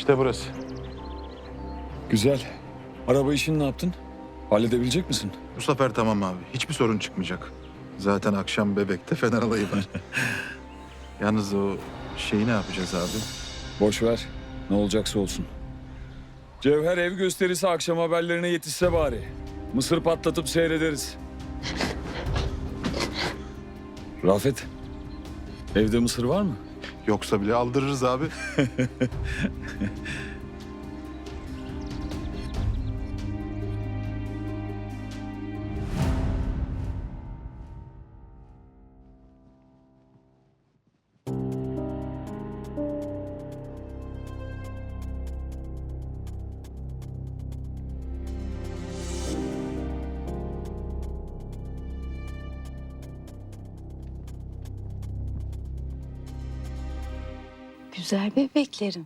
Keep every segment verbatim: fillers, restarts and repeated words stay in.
İşte burası. Güzel. Araba işini ne yaptın? Halledebilecek misin? Bu sefer tamam abi. Hiçbir sorun çıkmayacak. Zaten akşam Bebek'te Fener alayı var. Yalnız o şeyi ne yapacağız abi? Boş ver. Ne olacaksa olsun. Cevher ev gösterisi akşam haberlerine yetişse bari. Mısır patlatıp seyrederiz. Rafet, evde mısır var mı? Yoksa bile aldırırız abi. Güzel bebeklerim.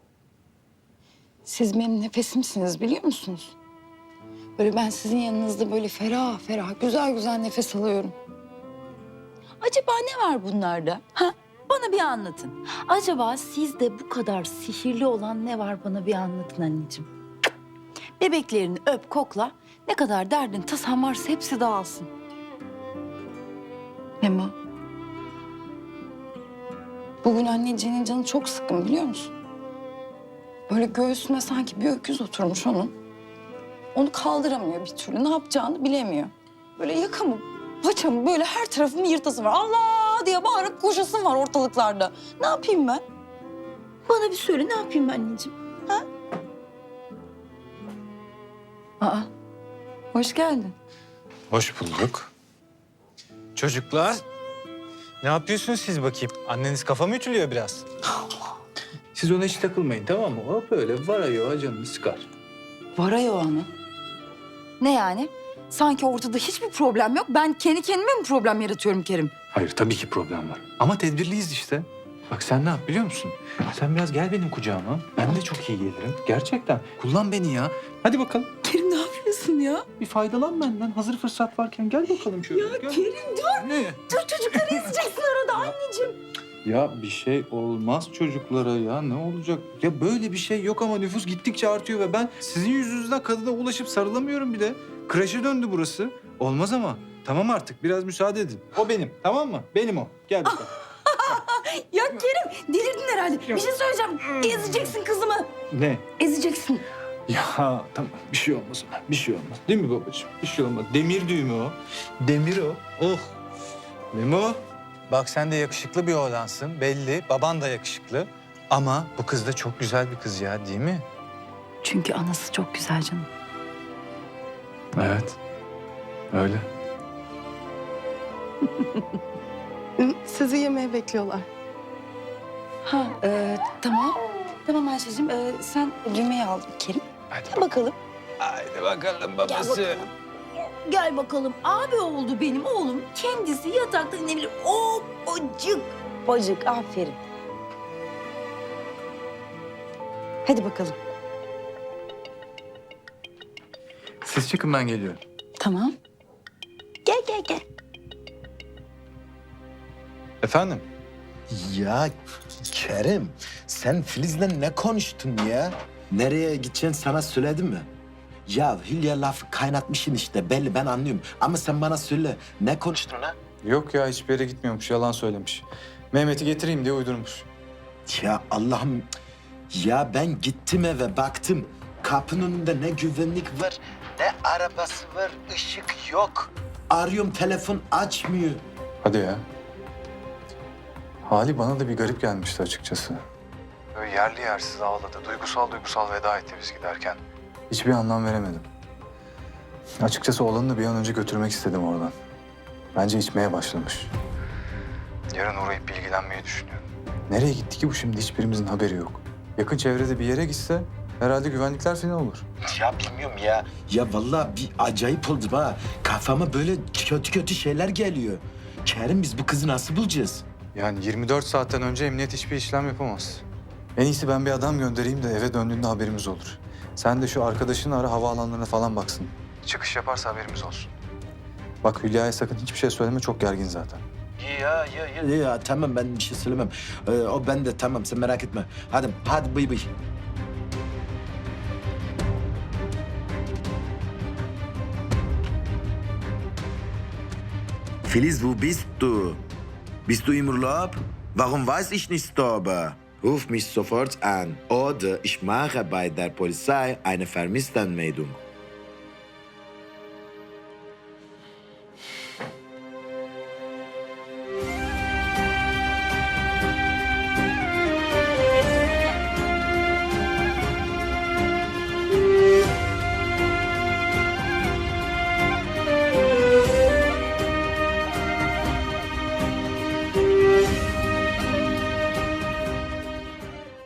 Siz benim nefesimsiniz biliyor musunuz? Böyle ben sizin yanınızda böyle ferah ferah güzel güzel nefes alıyorum. Acaba ne var bunlarda? Ha? Bana bir anlatın. Acaba sizde bu kadar sihirli olan ne var bana bir anlatın anneciğim. Bebeklerini öp kokla. Ne kadar derdin tasan varsa hepsi dağılsın. Memo. Bugün anneciğinin canı çok sıkkın biliyor musun? Böyle göğsüne sanki bir öküz oturmuş onun. Onu kaldıramıyor bir türlü. Ne yapacağını bilemiyor. Böyle yakamı, paçamı böyle her tarafımı yırtasım var. Allah diye bağırıp koşasım var ortalıklarda. Ne yapayım ben? Bana bir söyle ne yapayım ben anneciğim? Ha? Aa, hoş geldin. Hoş bulduk. Çocuklar, ne yapıyorsunuz siz bakayım? Anneniz kafa mı ütülüyor biraz? Siz ona hiç takılmayın tamam mı? O böyle varayor canını sıkar. Varayo hanım. Ne yani? Sanki ortada hiçbir problem yok. Ben kendi kendime mi problem yaratıyorum Kerim? Hayır tabii ki problem var. Ama tedbirliyiz işte. Bak sen ne yap biliyor musun? Sen biraz gel benim kucağıma. Ben de çok iyi gelirim. Gerçekten. Kullan beni ya. Hadi bakalım. Kerim ne yapıyorsun ya? Bir faydalan benden. Hazır fırsat varken gel bakalım şöyle. Ya Gel. Kerim dur. Ne? Dur çocukları ezeceksin arada anneciğim. Ya bir şey olmaz çocuklara ya. Ne olacak? Ya böyle bir şey yok ama nüfus gittikçe artıyor ve ben sizin yüzünüzden kadına ulaşıp sarılamıyorum bile. Kreşe döndü burası. Olmaz ama. Tamam artık biraz müsaade edin. O benim tamam mı? Benim o. Gel bakalım. Ya Kerim delirdin herhalde. Bir şey söyleyeceğim. Ezeceksin kızımı. Ne? Ezeceksin. Ya tamam bir şey olmaz ona. Bir şey olmaz. Değil mi babacığım? Bir şey olmaz. Demir düğümü o. Demir o. Oh. Memo, bak sen de yakışıklı bir oğlansın. Belli, baban da yakışıklı. Ama bu kız da çok güzel bir kız ya, değil mi? Çünkü anası çok güzel canım. Evet. Öyle. Sizi yemeğe bekliyorlar. Ha e, tamam. Tamam Ayşe'cim e, sen yemeği al Kerim. Hadi Gel bakalım. Haydi bakalım Gel bakalım. Gel bakalım. Abi oldu benim oğlum. Kendisi yatakta inebilir. O bacık. Bacık aferin. Hadi bakalım. Siz çıkın ben geliyorum. Tamam. Gel gel gel. Efendim? Ya Kerim, sen Filiz'le ne konuştun ya? Nereye gideceğini sana söyledim mi? Ya Hülya lafı kaynatmışsın işte belli ben anlıyorum. Ama sen bana söyle ne konuştun ha? Yok ya, hiçbir yere gitmiyormuş, yalan söylemiş. Mehmet'i getireyim diye uydurmuş. Ya Allah'ım ya ben gittim eve baktım. Kapının önünde ne güvenlik var ne arabası var ışık yok. Arıyorum telefon açmıyor. Hadi ya. Hali bana da bir garip gelmişti açıkçası. Böyle yerli yersiz ağladı. Duygusal duygusal veda etti biz giderken. Hiçbir anlam veremedim. Açıkçası oğlanı da bir an önce götürmek istedim oradan. Bence içmeye başlamış. Yarın uğrayıp bilgilenmeyi düşünüyorum. Nereye gitti ki bu şimdi? Hiçbirimizin haberi yok. Yakın çevrede bir yere gitse herhalde güvenlikler falan olur. Ya bilmiyorum ya. Ya vallahi bir acayip oldum ha. Kafama böyle kötü kötü şeyler geliyor. Kerim biz bu kızı nasıl bulacağız? Yani yirmi dört saatten önce emniyet hiçbir işlem yapamaz. En iyisi ben bir adam göndereyim de eve döndüğünde haberimiz olur. Sen de şu arkadaşını ara, havaalanlarına falan baksın. Çıkış yaparsa haberimiz olsun. Bak Hülya'ya sakın hiçbir şey söyleme, çok gergin zaten. Ya ya ya ya tamam ben bir şey söylemem. Ee, o ben de tamam sen merak etme. Hadi hadi bıy bıy. Filiz, wo bist du? Bist du im Urlaub? Warum weiß ich nicht darüber? Ruf mich sofort an oder ich mache bei der Polizei eine Vermisstenmeldung.